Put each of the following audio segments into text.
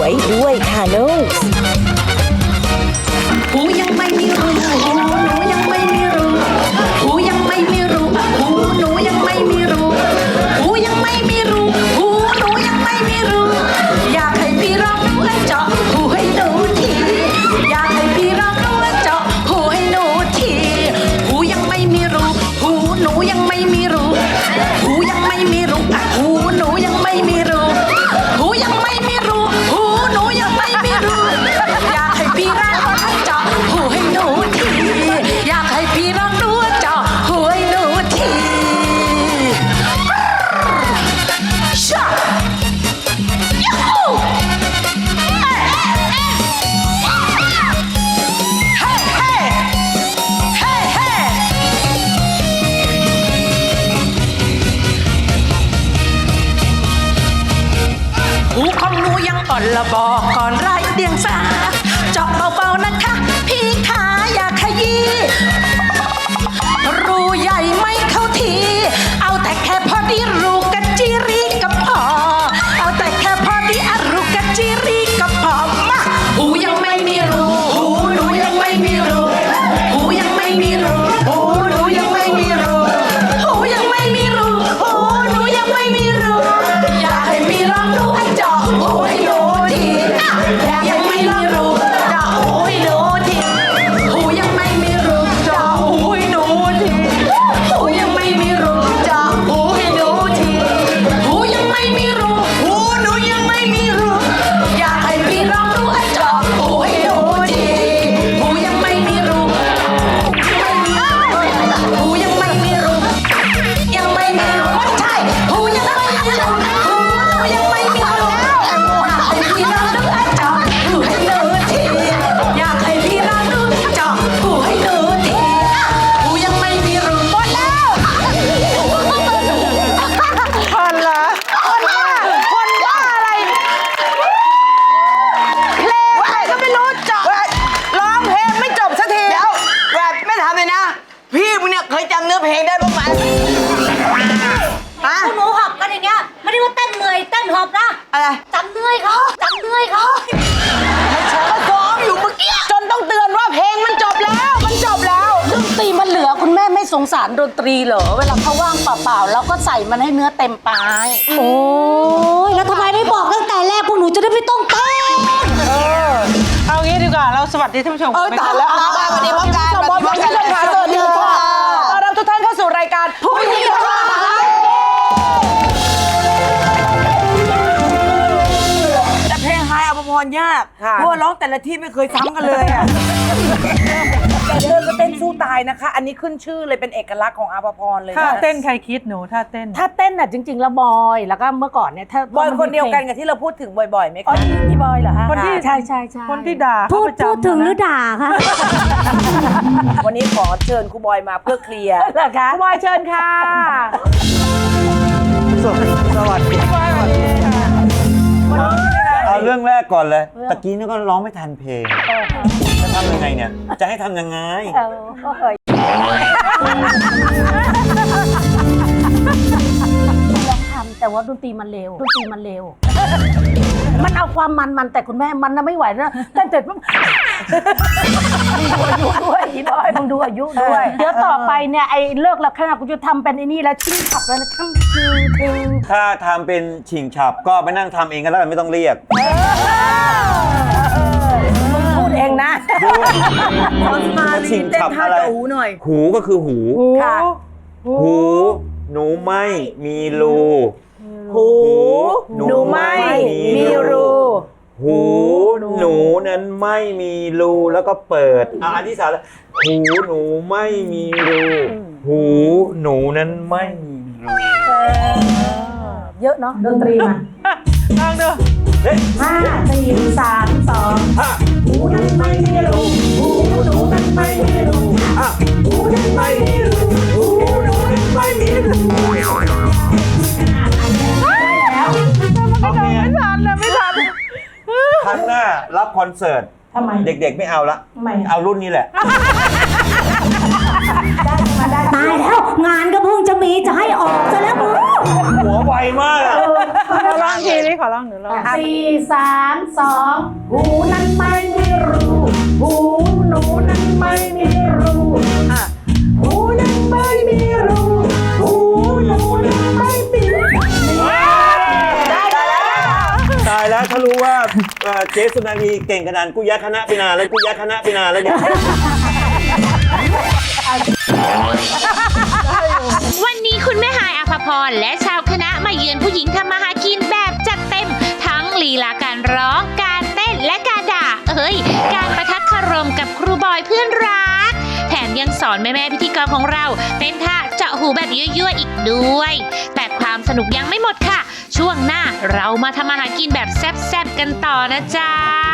วยด้วยค่ะนุ๊กหูยังไม่มีรูหูหนูยังไม่มีรูหูยังไม่มีรูหูหนูยังไม่มีรูหูยังไม่มีรูหูหนูยังไม่มีรูอยากให้พี่ร้องและเจาะหูให้หนูทีอยากให้พี่ร้องและเจาะหูให้หนูทีหูยังไม่มีรูหูหนูยังไม่มีรูหูยังไม่มีรูหูหนูยังไม่มีรูหูยังไม่มีรูหูหนูยังไม่มีรูอยากให้พี่ร้องและเจาะหูให้หนูทีอยากให้พี่ร้องและเจาะหูให้หนูทีชายูฮูเฮ้เฮ้เฮ้เฮ้หูของหนูยังอ่อนละบอกก่อนไร้เดียงสาเจาะเบาๆนะคะพี่ขาอย่าขยี้รูใหญ่ไม่เข้าทีเอาแต่แค่พอดีรูกัจจิรีก็พอเอาแต่แค่พอดีรูกัจจิรีก็พอมาหูยังไม่มีรูหูหนูยังไม่มีรูหูยังไม่มีรูหูหนูยังไม่มีรูหูยังไม่มีรูหูหนูยังไม่มีรูอยากให้พี่ลองดูให้เจาะหูให้หนูทีอยากให้พี่ลองดูเจาะหูให้หนูทีหูยังไม่มีรูเจาะหูให้หนูทีหูยังไม่มีรูเจาะหูให้หนูทีหูยังไม่มีรูหูหนูยังไม่มีรูอยากให้พี่ลองดูให้เจาะหูให้หนูทีหูยังไม่มีรูหูยังไม่มีรูยังไม่มีรูไม่ใช่หูยังไม่มีรูหูหนูยังไม่มีรูอยากให้พี่ลองดูให้เจาะหูให้หนูทีอยากให้พี่ลองดูเจาะหูให้หนูทีหูยังไม่มีรูหมดแล้วคนเหรอคนบ้าอะไรเพลงอะไรก็ไม่รู้จบร้องเพลงไม่จบสักทีเดี๋ยวแวดไม่ทำเลยนะ พี่มึงเนี่ยเคยจำเนื้อเพลงได้บ้างไหมฮะพวกหนูหอบกันอย่างเงี้ยไม่ได้ว่าเต้นเหนื่อยเต้นหอบนะอะไรจำเหนื่อยเขาจำเหนื่อยเขาก็ซ้อมอยู่เมื่อกี้จนต้องเตือนว่าเพลงมันจบแล้วมันจบแล้วดนตรีมันเหลือคุณแม่ไม่สงสารดนตรีเหรอเวลาเขาว่างเปล่าๆแล้วก็ใส่มันให้เนื้อเต็มปลายโอ้ยแล้วทำไมไม่บอกตั้งแต่แรกพวกหนูจะได้ไม่ต้องเต้นเอางี้ดีกว่าเราสวัสดีท่านผู้ชมตายแล้วสวัสดีพ่อการสวัสดีค่ะสวัสดีค่ะต้อนรับทุกท่านเข้าสู่รายการผู้หญิงค่ะแต่เพลงไฮอภพรยากเพราะว่าร้องแต่ละที่ไม่เคยซ้ำกันเลยอ่ะเดินก็เต้นสู้ตายนะคะ อันนี้ขึ้นชื่อเลยเป็นเอกลักษณ์ของอาภพรเลยถ้าเต้นใครคิดหนูถ้าเต้นถ้าเต้นน่ะจริงๆแล้วบอยแล้วก็เมื่อก่อนเนี่ยถ้าบอยคนเดียวกันกับที่เราพูดถึงบ่อยๆไหมอ๋อคะพี่บอยเหรอฮะคนที่ใช่ใช่ใช่คนที่ด่าเขาประจำพูดถึงหรือด่าคะวันนี้ขอเชิญครูบอยมาเพื่อเคลียร์เหรอคะครูบอยเชิญค่ะสวัสดีเอาเรื่องแรกก่อนเลยตะกี้นี่ก็ร้องไม่ทันเพลงจะทำยังไงเนี่ย จะให้ทำยังไงลองทำแต่ว่าดนตรีมันเร็วมันเอาความมันแต่คุณแม่มันน่ะไม่ไหวนะแต่เสร็จปุ๊บมึงดูอายุด้วยอีบอยมึงดูอายุด้วย เดี๋ยวต่อไปเนี่ยไอ้เลิกแล้วขนาดกูจะทำเป็นไอ้นี่แล้วชิ้นขับแล้วนะทั้งคือถ้าทำเป็นฉิงฉับก็ไปนั่งทำเองก็แล้วกันไม่ต้องเรียกมึงพูดเองนะมาฉิงฉับอะไรหูก็คือหูค่ะหูหนูไม่มีรูหูหนูไม่มีรูหูหนูนั้นไม่มีรูแล้วก็เปิดอันที่สามหูหนูไม่มีรูหูหนูนั้นไม่มีรูเยอะเนาะดนตรีมาลองดู 5 4 3 2หูนั้นไม่มีรูหูหนูนั้นไม่มีรูหูนั้นไม่มีรูหูหนูนั้นไม่มีรูไม่ทันเลยไม่ทันครั้งหน้ารับคอนเสิร์ตทำไมเด็กๆไม่เอาละทำไมเอารุ่นนี้แหละตาายแล้วงานก็เพิ่งจะมีจะให้ออกซะแล้วมึงหัวไวมากอะขอร้องทีนี้ขอร้องหนูร้อง 4 3 2 หูนั้นไม่มีรูหูหนูนั้นไม่มีรูหูนั้นไม่มีรูหูหนูนั้นไม่มีรูตายแล้วถ้ารู้ว่าเจ๊สุนารีเก่งขนาดกูย้ายคณะไปนานแล้วกูย้ายคณะไปนานแล้วเนี่ยวันนี้คุณแม่ฮายอภพรและชาวคณะมาเยือนผู้หญิงทำมาหากินแบบจัดเต็มทั้งลีลาการร้องการเต้นและการด่าการประทัดคารมกับครูบอยเพื่อนรักแถมยังสอนแม่พิธีกรของเราเต้นท่าเจาะหูแบบยั่วๆอีกด้วย แต่ความสนุกยังไม่หมดค่ะ ช่วงหน้าเรามาทำอาหารกินแบบแซ่บๆกันต่อนะจ๊ะ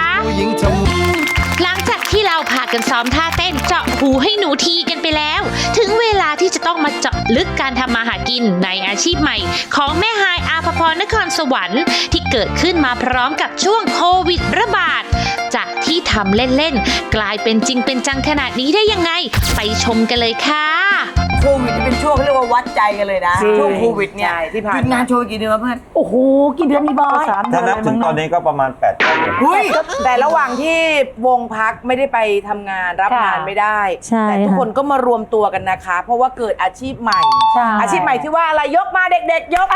หลังจากที่เราพากันซ้อมท่าเต้นเจาะหูให้หนูทีกันไปแล้ว ถึงเวลาที่จะต้องมาเจาะลึกการทำมาหากินในอาชีพใหม่ ของแม่ฮายอาภพรนครสวรรค์ที่เกิดขึ้นมาพร้อมกับช่วงโควิดระบาด จากที่ทำเล่นๆกลายเป็นจริงเป็นจังขนาดนี้ได้ยังไง ไปชมกันเลยค่ะโควิดนี่เป็นช่วงเขาเรียกว่าวัดใจกันเลยนะ ช่วงโควิดเนี่ยหยุดงานโชว์กี่เดือนวะเพื่อนโอ้โหกี่เดือนนี่บอยถ้านับถึงตอนนี้ก็ประมาณ8 เดือนเฮ้ยแต่ระหว่างที่วงพักไม่ได้ไปทำงานรับงานไม่ได้ใช่แต่ทุกคนก็มารวมตัวกันนะคะ เพราะว่าเกิดอาชีพใหม่ใช่อาชีพใหม่ที่ว่าอะไรยกมาเด็กๆ ยกมา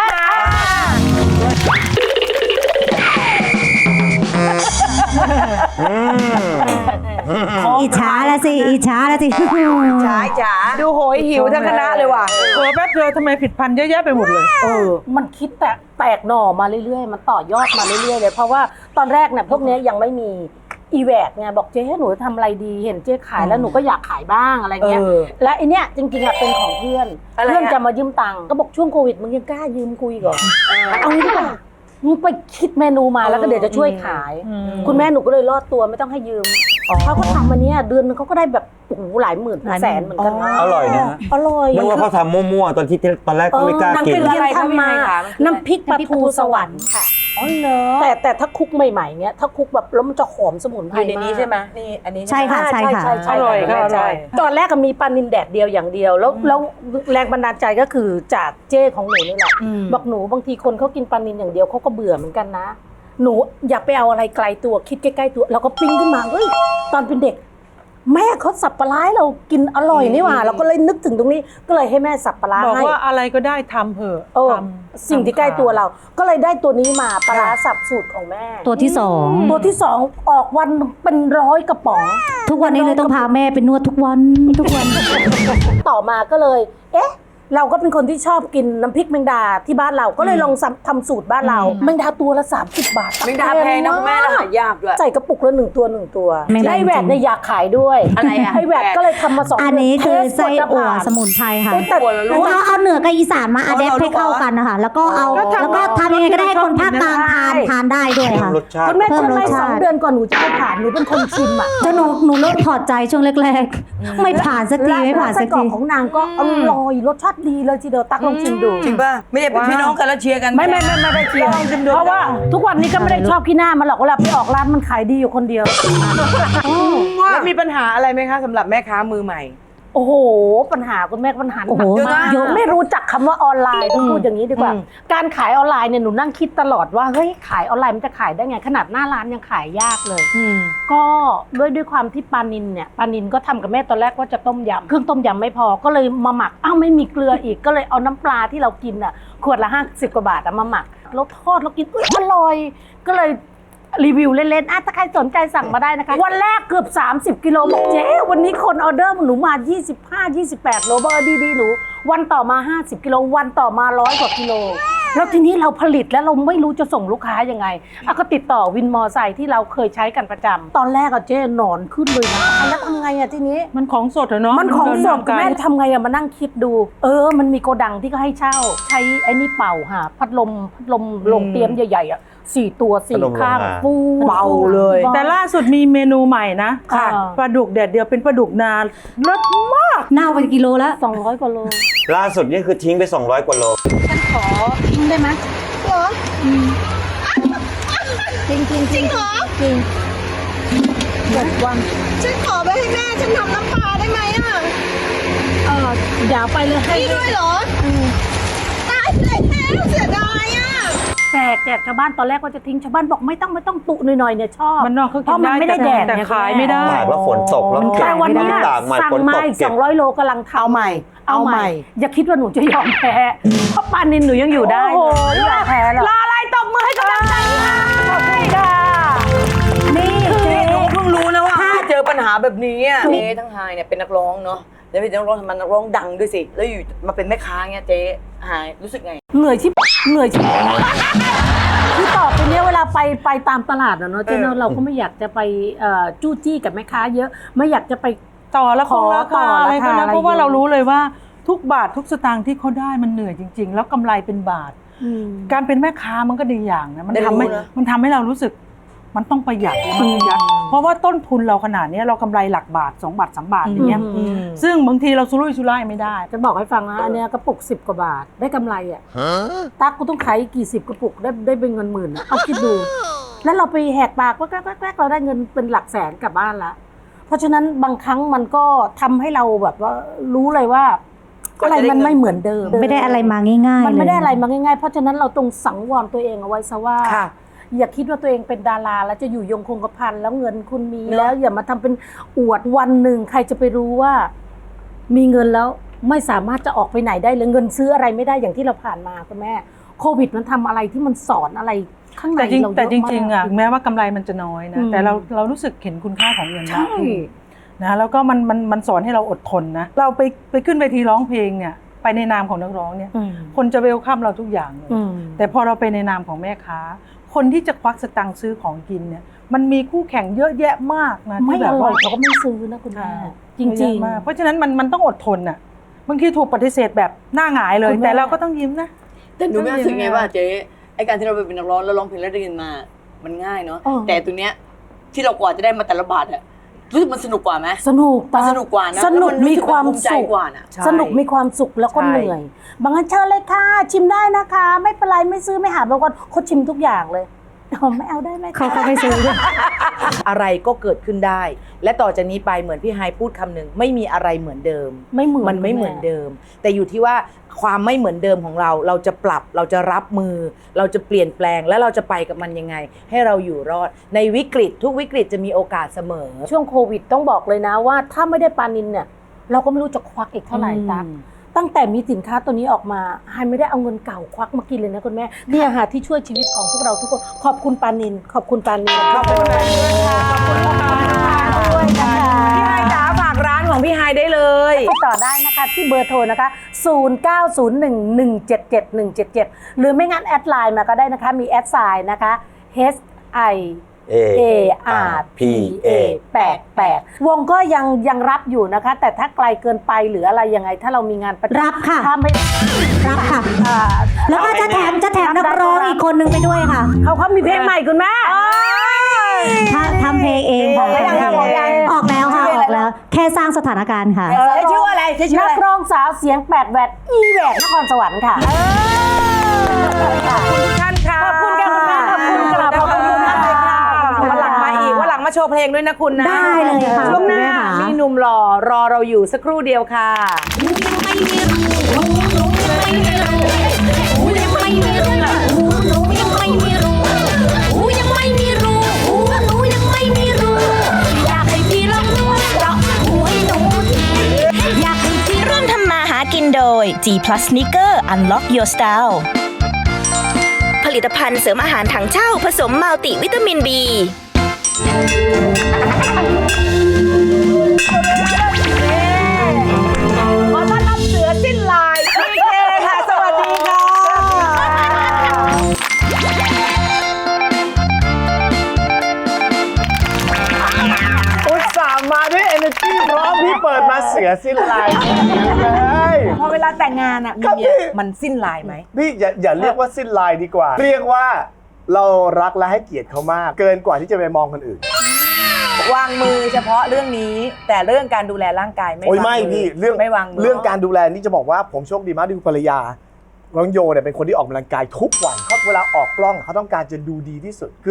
อิจฉาละสิอิจฉาละสิจ๋าจ๋าดูโหยหิวทั้งคณะเลยว่ะแป๊บเดียวทำไมผิดพันธุ์เยอะแยะไปหมดเลยมันคิดแตกหน่อมาเรื่อยๆ มันต่อยอดมาเรื่อยๆเลย เพราะว่าตอนแรกเนี่ยพวกเนี้ยยังไม่มีอีแวกไงบอกเจ๊หนูจะทำอะไรดีเห็นเจ๊ขายแล้วหนูก็อยากขายบ้างอะไรเงี้ย และไอเนี้ยจริงๆอะเป็นของเพื่อนอะไรอะเพื่อนจะมายืมตังค์ก็บอกช่วงโควิดมึงยังกล้ายืมคุยก่อนเอางี้ดีกว่ามึงไปคิดเมนูมาแล้วก็เดี๋ยวจะช่วยขาย คุณแม่หนูก็เลยรอดตัวไม่ต้องให้ยืมเขาก็ทำอันเนี้ยเดือนนึงเขาก็ได้แบบโอ้โหหลายหมื่นแสนเหมือนกันนะอร่อยนะฮะอร่อยนึกว่าเขาทำมั่วๆตอนแรกก็ไม่กล้ากินเรียนทำมาน้ำพริกปลาทูสวรรค์ค่ะอ๋อเหรอแต่ถ้าคุกใหม่ๆเนี้ยถ้าคุกแบบแล้วมันจะหอมสมุนไพรอยู่ในนี้ากใช่ไหมนี่อันนี้ใช่ค่ะใช่ค่ะใช่อร่อยใช่อร่อยตอนแรกก็มีปลานินแดดเดียวอย่างเดียวแล้วแรงบันดาลใจก็คือจากเจ้ของหนูนี่แหละบอกหนูบางทีคนเขากินปลานินอย่างเดียวเขาก็เบื่อเหมือนกันนะ หนูอย่าไปเอาอะไรไกลตัวคิดใกล้ๆตัวเราก็ปิ้งขึ้นมาเฮ้ยตอนเป็นเด็ก แม่เขาสับปลาร้าให้เรากินอร่อยนี่หว่าเราก็เลยนึกถึงตรงนี้ก็เลยให้แม่สับปลาร้าบอกให้ว่าอะไรก็ได้ทำเถอะเออทำสิ่งที่ใกล้ตัวเรา ก็เลยได้ตัวนี้มาปลาร้าสับสูตรของแม่ตัวที่สองตัวที่สองออกวันเป็น100 กระป๋องทุกวันนี้เลยต้องพาแม่ไปนวดทุกวันทุกวันต่อมาก็เลย เอ๊ะ เราก็เป็นคนที่ชอบกินน้ำพริกแมงดาที่บ้านเราก็เลยลองทำสูตรบ้านเราแมงดาตัวละ30 บาทแมงดาแพงนะคุณแม่แล้วหายากด้วยใส่กระปุกละ1 ตัว 1 ตัวแมงดาไอ้แหวกเนี่ยอยากขายด้วยอะไรอะไอ้แหวกก็เลยทำมา2 อันนี้คือไส้เทสอั่วกว่าจะผ่านสมุนไพรค่ะแต่เอาเหนือกับอีสานมาอะแดปให้เข้ากันนะคะแล้วก็เอาก็ทำแล้วก็ทำยังไงก็ได้ให้คนภาคกลางทานได้ด้วยค่ะรสชาติคุณแม่เพิ่มทำรไมสชาติ 2 เดือนก่อนหนูจะให้ผ่านหนูเป็นคนชิมอ่ะจนหนูเริ่มถอดใจช่วงแรกๆ ไม่ผ่านสักทีไม่ผ่านสักไส้กรอทีกของนางก็อร่อยรสชาติดีเลยทีเดียวตักลองชิมดูจริงป่ะ ไม่ได้เป็นพี่น้องกันแล้วเชียร์กันไม่ได้เชียร์เพราะว่าทุกวันนี้ก็ไม่ได้ชอบขี้หน้ามันหรอกเวลาไปออกร้านมันขายดีอยู่คนเดียวแล้วมีปัญหาอะไรไหมคะสำหรับแม่ค้ามือใหม่โอ้โห ปัญหาคุณแม่ปัญหาโอ้โหหนักมากเยอะไม่รู้จักคำว่าออนไลน์ต้องพูดอย่างนี้ดีกว่า การขายออนไลน์เนี่ยหนูนั่งคิดตลอดว่าเฮ้ยขายออนไลน์มันจะขายได้ไงขนาดหน้าร้านยังขายยากเลยก็ด้วยความที่ปลานินก็ทำกับแม่ตอนแรกว่าจะต้มยำเครื่องต้มยำไม่พอก็เลยมาหมักไม่มีเกลืออีกก็เลยเอาน้ำปลาที่เรากินอ่ะขวดละ50 กว่าบาทมาหมักแล้วทอดแล้วกินอร่อยก็เลยรีวิวเล่นๆถ้าใครสนใจสั่งมาได้นะคะวันแรกเกือบ30 กิโลบอกเจ๊วันนี้คนออเดอร์หนูมา25-28 โลบอกดีๆหนูวันต่อมา50 กิโลวันต่อมา100 กว่ากิโลแล้วทีนี้เราผลิตแล้วเราไม่รู้จะส่งลูกค้ายังไงก็ติดต่อวินมอไซค์ที่เราเคยใช้กันประจำตอนแรกเจ๊หนอนขึ้นเลยนะแล้วทำไงทีนี้มันของสดเหรอเนาะมันของสดเดินทางไกลแม่ทำไงมานั่งคิดดูมันมีโกดังที่ก็ให้เช่าใช้ไอ้นี่เป่าค่ะพัดลมลงเตรียมใหญ่ๆ4 ตัวพัดลม 4 ข้างโรงงานฟูเบาเลยแต่ล่าสุดมีเมนูใหม่นะค่ะปลาดุกแดดเดียวเป็นปลาดุกนาเลิศมากเน่าไปกิโลแล้ว 200 กว่าโลล่าสุดนี่คือทิ้งไป200 กว่าโลทิ้งได้ไหมเหรอจริงเหรอจริง 6 วันฉันขอไปให้แม่ฉันทำน้ำปลาได้ไหมอ่ะอย่าไปเลยให้นี่ด้วยเหรอตายเลยแล้วเสียดายอ่ะแจกชาวบ้านตอนแรกก็จะทิ้งชาวบ้านบอกไม่ต้องตุหน่อยๆเนี่ยชอบมันนอกเขาเพกินราะมันได้ไม่ได้แดดแต่ไงขายไม่ได้ขายว่าฝนตกแล้วเก็บแต่วันนี้ตากใหม่สั่งฝนมาตกอีกเก็บ 200 โลกำลังทำเอาใหม่อย่าคิดว่าหนูจะยอมแพ้เพราะปานินหนูยังอยู่ได้โอ้โหไม่อยากแพ้หรอกรออะไรตบมือให้กำลังใจค่ะขอบคุณค่ะนี่เจ๊หนูเพิ่งรู้นะว่าเจอปัญหาแบบนี้อะเจ๊ทั้งไฮเนี่ยเป็นนักร้องเนาะแล้วเป็นนักร้องทำไมนักร้องดังด้วยสิแล้วอยู่มาเป็นแม่ค้าเงี้ยเจ๊ไฮรู้สึกไงเหนื่อยชิบคือต่อไปเนี้ยเวลาไปตามตลาดอะเนาะเจ๊เนาะเราก็ไม่อยากจะไปจู้จี้กับแม่ค้าเยอะไม่อยากจะไปต่อแล้วขอราต่คาออะไรราก็คานะอะไรเพราะว่าเยอะเรารู้เลยว่าทุกบาททุกสตางค์ที่เขาได้มันเหนื่อยจริง ๆ แล้วกำไรเป็นบาท การเป็นแม่ค้ามันก็ดีอย่างนะมันได้รู้ทำให้นะมันทำให้เรารู้สึกมันต้องประหยัดแล้วมันประหยัดเพราะว่าต้นทุนเราขนาดนี้เรากำไรหลักบาท2 บาท 3 บาทอย่างเงี้ยซึ่งบางทีเราสุรุ่ยสุร่ายไม่ได้จะบอกให้ฟังนะอันเนี้ยกระปุก10 กว่าบาทได้กำไรอ่ะตั๊กกูต้องขายกี่10 กระปุกได้เป็นเงินหมื่นอะเอาคิดดู แล้วเราไปแหกปากว่าแกล้เราได้เงินเป็นหลักแสนกลับบ้านละเพราะฉะนั้นบางครั้งมันก็ทำให้เราแบบว่ารู้เลยว่าอะไรมันไม่เหมือนเดิมไม่ได้อะไรมาง่ายๆมันไม่ได้อะไรเลยมาง่ายๆเพราะฉะนั้นเราต้องสังวรตัวเองเอาไว้ซะว่าอย่าคิดว่าตัวเองเป็นดาราแล้วจะอยู่ยงคงกระพันแล้วเงินคุณมีแล้วอย่ามาทำเป็นอวดวันหนึ่งใครจะไปรู้ว่า มีเงินแล้วไม่สามารถจะออกไปไหนได้เลยเงินซื้ออะไรไม่ได้อย่างที่เราผ่านมาคุณแม่โควิดมันทำอะไรที่มันสอนอะไรข้างในแต่จริงเราเยอะมากแต่จริงๆอ่ะถึงแม้ว่ากำไรมันจะน้อยนะแต่เรารู้สึกเห็นคุณค่าของเงินมากขึ้นนะแล้วก็มันสอนให้เราอดทนนะเราไปขึ้นเวทีร้องเพลงเนี่ยไปในนามของนักร้องเนี่ยคนจะเวลคัมเราทุกอย่างเลยแต่พอเราไปในนามของแม่ค้าคนที่จะควักสตังค์ซื้อของกินเนี่ยมันมีคู่แข่งเยอะแยะมากนะไม่ที่แบอบ ร่ว่าอยเขาก็ไม่ซื้อนะคุณแม่จเยริอะงมากเพราะฉะนั้นมันต้องอดทนอ่ะบางทีถูกปฏิเสธแบบหน้าหงายเลยคุณแม่แต่เราก็ต้องยิ้มนะแต่หนูไม่รู้สึกไงว่าเจ๊ไอการที่เราเป็นนักร้องแล้วร้องเพลงแล้วได้เงินมามันง่ายเนาะแต่ตัวเนี้ยที่เรากว่าจะได้มาแต่ละบาทอะรู้สึกมันสนุกกว่าไหมสนุกมันสนุกกว่านะสนุกแล้วมันรู้มีสึกความภูมิใจสุขกว่าน่ะสนุกมีความสุขแล้วก็ใช่เหนื่อย บางครั้งเชิญเลยค่ะชิมได้นะคะ ไม่เป็นไรไม่ซื้อไม่หาบางคนเขาชิมทุกอย่างเลยไม่เอาได้ไหมคะเขาไม่ซื้ออะไรก็เกิดขึ้นได้ และต่อจากนี้ไปเหมือนพี่ไฮพูดคำหนึ่งไม่มีอะไรเหมือนเดิมไม่เหมือนมันไม่เหมือนเดิม แต่อยู่ที่ว่าความไม่เหมือนเดิมของเราจะปรับเราจะรับมือ เราจะเปลี่ยนแปลงและเราจะไปกับมันยังไง ให้เราอยู่รอดในวิกฤตทุกวิกฤตจะมีโอกาสเสมอช่วงโควิดต้องบอกเลยนะว่าถ้าไม่ได้ปานินเนี่ยเราก็ไม่รู้จะควักอีกเท่าไหร่ตั๊กตั้งแต่มีสินค้าตัวนี้ออกมาไฮไม่ได้เอาเงินเก่าควักมากินเลยนะคุณแม่เนี่ยค่ะที่ช่วยชีวิตของพวกเราทุกคนขอบคุณปานินขอบคุณปานินขอบคุณด้วยนะคะพี่ไฮจ๋าฝากร้านของพี่ไฮได้เลยติดต่อได้นะคะที่เบอร์โทรนะคะ 0901177177 หรือไม่งั้นแอดไลน์มาก็ได้นะคะมีแอดไซน์นะคะ HIARPA 88วงก็ยังรับอยู่นะคะ แต่ถ้าไกลเกินไปหรืออะไรยังไง ถ้าเรามีงานประจำรับค่ะถ้าไม่รับค่ะ แล้วก็จะแถมนักร้องอีกคนนึงไปด้วยค่ะเขามีเพลงใหม่คุณแม่ทำเพลงเองค่ะออกแล้วออกแล้วค่ะออกแล้ว แค่สร้างสถานการณ์ค่ะใช้ชื่ออะไรใช้ชื่อนัอะไรกร้องสาวเสียงแปดแหวดอีแหวดนครสวรรค์ค่ะขอบคุณทุกท่านค่ะขอบคุณค่ะคุณแม่ขอบคุณค่ะขอบคุณมากเลยค่ะวันหลังมาอีกวันหลังมาโชว์เพลงด้วยนะคุณนะได้เลยค่ะช่วงหน้าได้ค่ะมีหนุ่มหล่อรอเราอยู่สักครู่เดียวค่ะร่วมทำมาหากินโดย G Plus Sneaker Unlock Your Style ผลิตภัณฑ์เสริมอาหารถังเช่าผสมมัลติวิตามิน B ขอต้อนรับเสือสิ้นลายพีเคค่ะ สวัสดีค่ะอุตส่าห์มาด้วย energy พร้อมพี่เปิดมาเสือสิ้นลายเลยพอเวลาแต่งงานอ่ะครับมีพี่มันสิ้นลายไหมพี่อย่าเรียกว่าสิ้นลายดีกว่า เรียกว่าเรารักและให้เกียรติเขามาก เกินกว่าที่จะไปมองคนอื่นวางมือเฉพาะเรื่องนี้ แต่เรื่องการดูแลร่างกายไม่โอ้ยวางไม่มือพี่เรื่องไม่วางมือเรื่องการดูแลนี่จะบอกว่าผมโชคดีมากที่คุณภรรยาน้องโยเนี่ยเป็นคนที่ออกกำลังกายทุกวันเขาเวลาออกกล้องเขาต้องการจะดูดีที่สุดคือ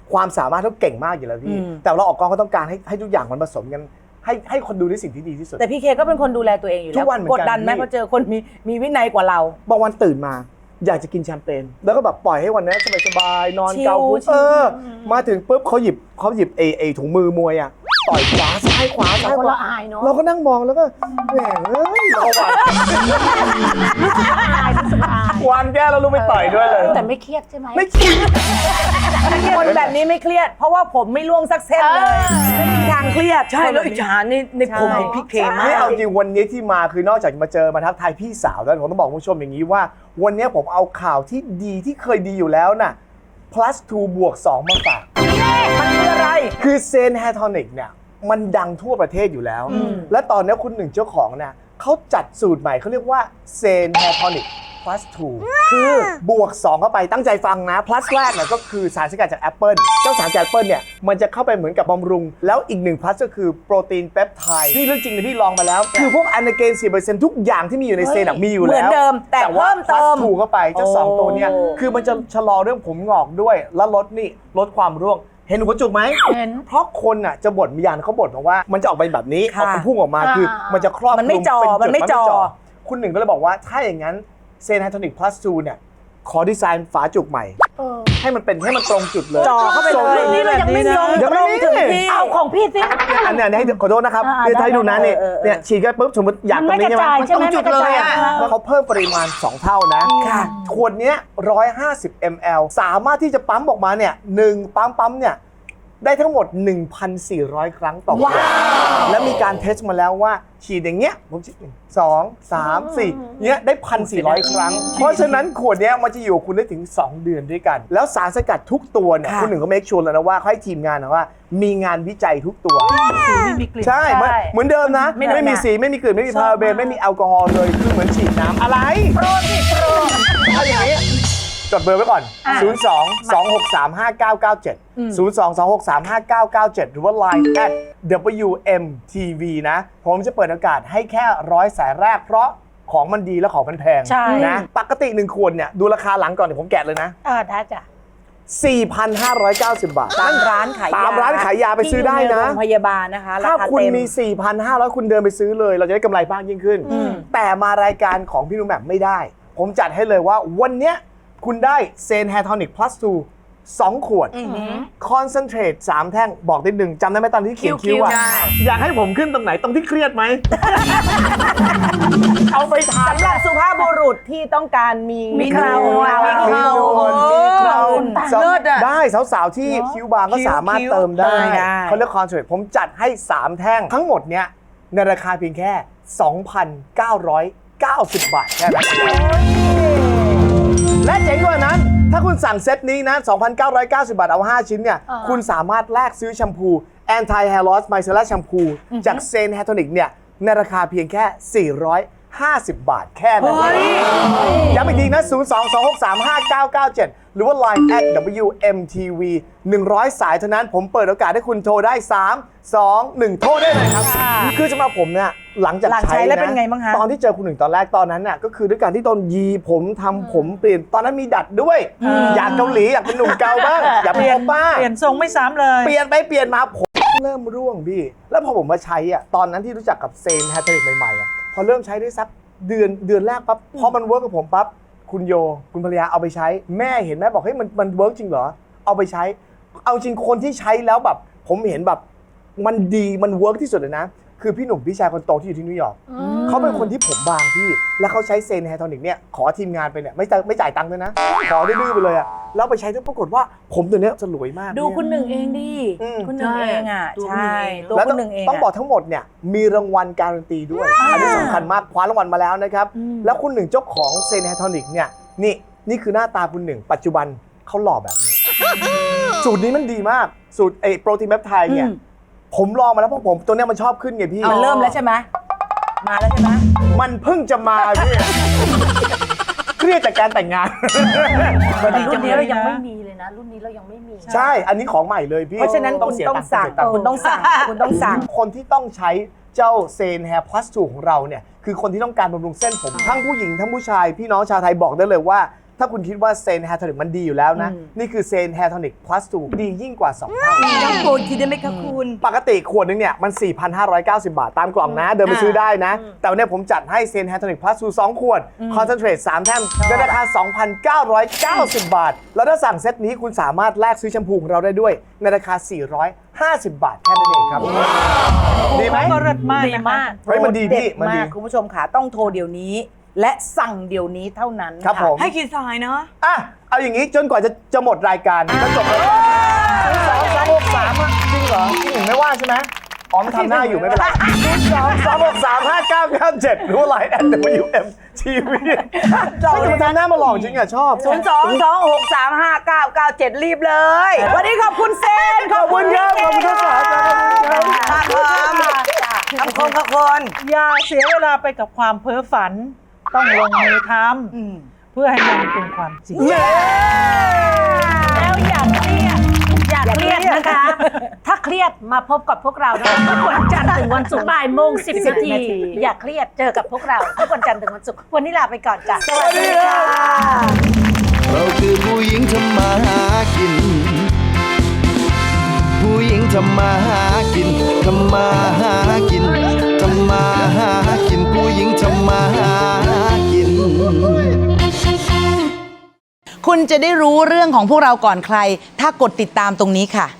ความสามารถเขาเก่งมากอยู่แล้วพี่แต่เราออกกองก็ต้องการให้ทุกอย่างมันผสมกันให้คนดูได้สิ่งที่ดีที่สุดแต่พี่เคก็เป็นคนดูแลตัวเองอยู่ทุแล้วกวันเหมือนกันกดดันไหมพี่พอเจอคนมีวินัยกว่าเราบางวันตื่นมาอยากจะกินแชมเปญแล้วก็แบบปล่อยให้วันนี้สบายๆนอนชิลเกาหัวชิลมาถึงปุ๊บเขาหยิบไอ้ถุงมือมวยอ่ะต่อยขวาซ้ายขวาซ้ายคนขวาละอายเนาะเราก็นั่งมองแล้วก็แหมเอ้ยเราหวานอายรู้สึกอายวานแก้แล้วลูกไม่ต่อยด้วยเลยแต่ไม่เครียดใช่ไหมไม่คิดคนแบบนี้ไม่เครียด เพราะว่าผมไม่ร่วงสักเส้นเลยไม่มีทางเครียดใช่แล้วอิจฉาในผมของพี่เคมากไม่เอาจริงวันนี้ที่มาคือนอกจากมาเจอมาทักทายพี่สาวแล้วผมต้องบอกคุณผู้ชมอย่างนี้ว่า วันนี้ผมเอาข่าวที่ดีที่เคยดีอยู่แล้วน่ะ plus 2 บวก 2 มาฝากมันคืออะไรคือเซนแฮทอนิกเนี่ยมันดังทั่วประเทศอยู่แล้ว และตอนนี้คุณหนึ่งเจ้าของเนี่ยเขาจัดสูตรใหม่เขาเรียกว่าเซนแฮทอนิก plus 2 คือบวก 2 เข้าไปตั้งใจฟังนะ plus แรกเนี่ยก็คือสารสกัดจากแอปเปิลเจ้าสารสกัดแอปเปิลเนี่ยมันจะเข้าไปเหมือนกับบำรุง แล้วอีก1 plus ก็คือโปรตีนเปปไทด์นี่เรื่องจริงนะพี่ลองมาแล้ว คือพวกอนาเกน 4% ทุกอย่างที่มีอยู่ในเซนอะมีอยู่แล้วเหมือนเดิมแต่ว่าเพิ่มเติม plus 2 เข้าไปเจ้าสองตัวเนี่ยคือมันจะชะลอเรื่องผมงอกด้วยแล้วลดความร่วงเห็นหัวจุกไหมเห็นเพราะคนอ่ะจะบ่นมีอย่างเขาบ่นมาว่ามันจะออกไปแบบนี้อค่ะอกเป็นพุ่งออกมาคือมันจะครอบมันไม่คลุจ่อเป็นจุดมันไม่จ่อคุณหนึ่งก็เลยบอกว่าถ้าอย่างนั้นเซนไฮโทนิก plus 2เนี่ยขอดีไซน์ฝาจุกใหม่ให้มันตรงจุดเลยจ่อเข้าไปเลยรุ่นนี้เรายังไม่มียังไม่มีถึงที่เอาของพี่สิอันเนี้ยให้ขอโทษนะครับอ่าเดี๋ยวให้ดูนะได้เนี่ยเออเนี่ยฉีดกันปุ๊บสมมติอยากมันตรงไม่นี้กระใช่ไหมจายใช่ไหมมันตรงจุดเลยอะแล้วเขาเพิ่มปริมาณ 2 เท่านะค่ะขวดเนี้ย150 ml สามารถที่จะปั๊มออกมาเนี่ย1ปั๊มเนี่ยได้ทั้งหมด 1,400 ครั้งต่อวันและมีการเทสมาแล้วว่าฉีดอย่างเงี้ยผมฉีด2 3 4เนี้ยได้ 1,400 ครั้ง เพราะฉะนั้นขวดเนี้ยมันจะอยู่กับคุณได้ถึง 2 เดือนด้วยกัน แล้วสารสกัดทุกตัวเนี่ยค่ะคุณหนึ่งก็เมคชัวร์แล้วนะว่าเขาให้ทีมงานนะว่ามีงานวิจัยทุกตัวสีไม่มีกลิ่นใช่เหมือนเดิมนะ ไม่มีสีไม่มีกลิ่นไม่มีพาราเบนไม่มีแอลกอฮอล์เลยคือเหมือนฉีดน้ำอะไรโปรถ้าอย่างนี้จดเบอร์ไว้ก่อน 02-263-5997 02-263-5997 หรือว่า Line @WMTV นะ ผมจะเปิดโอกาสให้แค่100 สายแรกเพราะของมันดีและของมันแพงใช่นะปกติ1 ขวดเนี่ยดูราคาหลังก่อนเดี๋ยวผมแกะเลยนะได้จ้ะ 4,590 บาทตามร้านขายยาตามร้านขายยาไปซื้อได้นะที่อยู่ในโรงพยาบาลนะคะราถ้าคาคุณเต็มมี 4,500 คุณเดินไปซื้อเลย เราจะได้กำไรมากยิ่งขึ้น แต่มารายการของพี่หนุ่มแบบไม่ได้ ผมจัดให้เลยว่าวันเนี้ยคุณได้เซนแฮทอนิก plus 2 2 ขวดคอนเซนเทรต3 แท่งบอกนิดนึงจำได้ไหมตอนที่เขียนคิ้วอะใช่อยากให้ผมขึ้นตรงไหนตรงที่เครียดไหม เอาไปทานสำหรับสุภาพบุรุษที่ต้องการมีมีเครามีเครามีเคราเลิศอะได้สาวๆที่คิ้วบางก็สามารถเติมได้ได้เขาเรียกคอนเทรตผมจัดให้ 3 แท่งทั้งหมดเนี้ยในราคาเพียงแค่ 2,990 บาทแค่นั้นเองและเจ๋งกว่านั้น ถ้าคุณสั่งเซตนี้นะ 2,990 บาทเอา 5 ชิ้นเนี่ย คุณสามารถแลกซื้อแชมพู Anti Hair Loss Micellar Shampoo จากเซนแฮทอนิกเนี่ยในราคาเพียงแค่ 450 บาทแค่นั้นเองย้ำอีกทีนะ 02-263-5997 หรือว่า Line @WMTV 100 สายเท่านั้นผมเปิดโอกาสให้คุณโทรได้ 3 2 1 โทรได้เลยครับ คือสำหรับผมเนี่ยหลังจากหลังใช้ใช้แล้วนะเป็นไงบ้างคะตอนที่เจอคุณหนึ่งตอนแรกตอนนั้นน่ะก็คือด้วยการที่ตอนยีผมทำผมเปลี่ยนตอนนั้นมีดัดด้วย อยากเกาหลีอยากเป็นหนุ่มเกาบ้าง อยากเป็นโอป้าเปลี่ยนทรงไม่ซ้ำเลยเปลี่ยนไปเปลี่ยนมาผมเริ่มร่วงพี่ แล้วพอผมมาใช้อ่ะตอนนั้นที่รู้จักกับเซนแฮทอนิกใหม่ๆอ่ะพอเริ่มใช้ได้สักเดือนแรกปั๊บพอมันเวิร์กกับผมปั๊บคุณโยคุณภรรยาเอาไปใช้แม่เห็นแม่บอกเฮ้ยมันเวิร์กจริงเหรอเอาไปใช้ เอาจริงคนที่ใช้แล้วแบบผมเห็นแบบมันดีมันเวิร์กที่สุดเลยนะคือพี่หนุ่มพี่ชายคนโตที่อยู่ที่นิวยอร์กเขาเป็นคนที่ผมบางพี่แล้วเขาใช้เซนแฮทอนิกเนี่ยขอทีมงานไปเนี่ยไม่จ่ายตังค์ด้วยนะขอดื้อๆไปเลยอ่ะแล้วไปใช้แล้วปรากฏว่าผมตัวเนี้ยจะรวยมากดูคุณหนึ่งเองดิ คุณหนึ่งเองอ่ะ ใช่ ตัวแล้วคุณหนึ่งเองต้องบอกทั้งหมดเนี่ยมีรางวัลการันตีด้วย อันนี้สำคัญมากคว้ารางวัลมาแล้วนะครับ แล้วคุณหนึ่งเจ้าของเซนแฮทอนิกเนี่ยนี่คือหน้าตาคุณหนึ่งปัจจุบันเขาหล่อแบบนี้ สูตรนี้มันดีมากสูตรโปรตีนเปปไทด์เนี่ยผมลองมาแล้วเพราะผมตัวเนี้ยมันชอบขึ้นไงพี่มันเริ่มแล้วใช่ไหมมาแล้วใช่ไหมมันเพิ่งจะมาพี่เครียดจากการแต่งงานรุ่นนี้เรายังไม่มีเลยนะ รุ่นนี้เรายังไม่มีใช่อันนี้ของใหม่เลยพี่เพราะฉะนั้นคุณเสียต้องสั่งเสียตัค์คุณต้องสั่ง คุณต้องสั่งคนที่ต้องใช้เจ้าเซนแฮร์พลัส2ของเราเนี่ยคือคนที่ต้องการบำรุงเส้นผม ทั้งผู้หญิงทั้งผู้ชายพี่น้องชาวไทยบอกได้เลยว่าถ้าคุณคิดว่าเซนแฮร์โทนิกมันดีอยู่แล้วนะ นี่คือเซนแฮร์โทนิก plus 2 ดียิ่งกว่า 2 เท่ายังโปรดทีได้ไหมคะคุณปกติขวดนึงเนี่ยมัน 4,590 บาทตามกล่องนะ เดินไปซื้อได้นะ แต่วันนี้ผมจัดให้เซนแฮร์โทนิก plus 2 2 ขวด คอนเซนเทรต 3 แท่งในราคา 2,990 บาท แล้วถ้าสั่งเซตนี้คุณสามารถแลกซื้อแชมพูของเราได้ด้วย ในราคา 450 บาทแค่นั้นเองครับ ดีไหมก็เลิศมากดีนะคะมากเฮ้ยมันดีพี่ มันดีมากคุณผู้ชมค่ะต้องโทรเดี๋ยวนี้ และสั่งเดี๋ยวนี้เท่านั้นครับผมให้กี่สายเนาะอ่ะ เอาอย่างนี้จนกว่าจะหมดรายการก็จบแล้ว2-3-6-3จริงเหรอพี่หนึ่งไม่ว่าใช่ไหมอ๋อมันทำหน้าอยู่ไม่เป็นไร2-3-6-3-5-9-9-7รู้ไลน์@WM TV ไม่ทำหน้ามาหลอกจริงอ่ะชอบ 022635997 รีบเลย วันนี้ขอบคุณเซนขอบคุณครับขอบคุณทั้งสามครับคำคมค่ะคนอย่าเสียเวลาไปกับความเพ้อฝัน ต้องลงมือทำเพื่อให้มันเป็นความจริงแล้วอย่าเครียดนะคะ ถ้าเครียดมาพบกับพวกเรานะคะทุกวันจันทร์ถึงวันศุกร์บ่ายโมง10 นาที อย่าเครียดเจอกับพวกเราทุกวันจันทร์ถึงวันศุกร์วันนี้ลาไปก่อนจ้ะสวัสดีค่ะเราคือผู้หญิงทำมาหากิน ผู้หญิงทำมาหากินทำมาหากินทำมาหากินผู้หญิงทำมาหากินคุณจะได้รู้เรื่องของพวกเราก่อนใคร ถ้ากดติดตามตรงนี้ค่ะ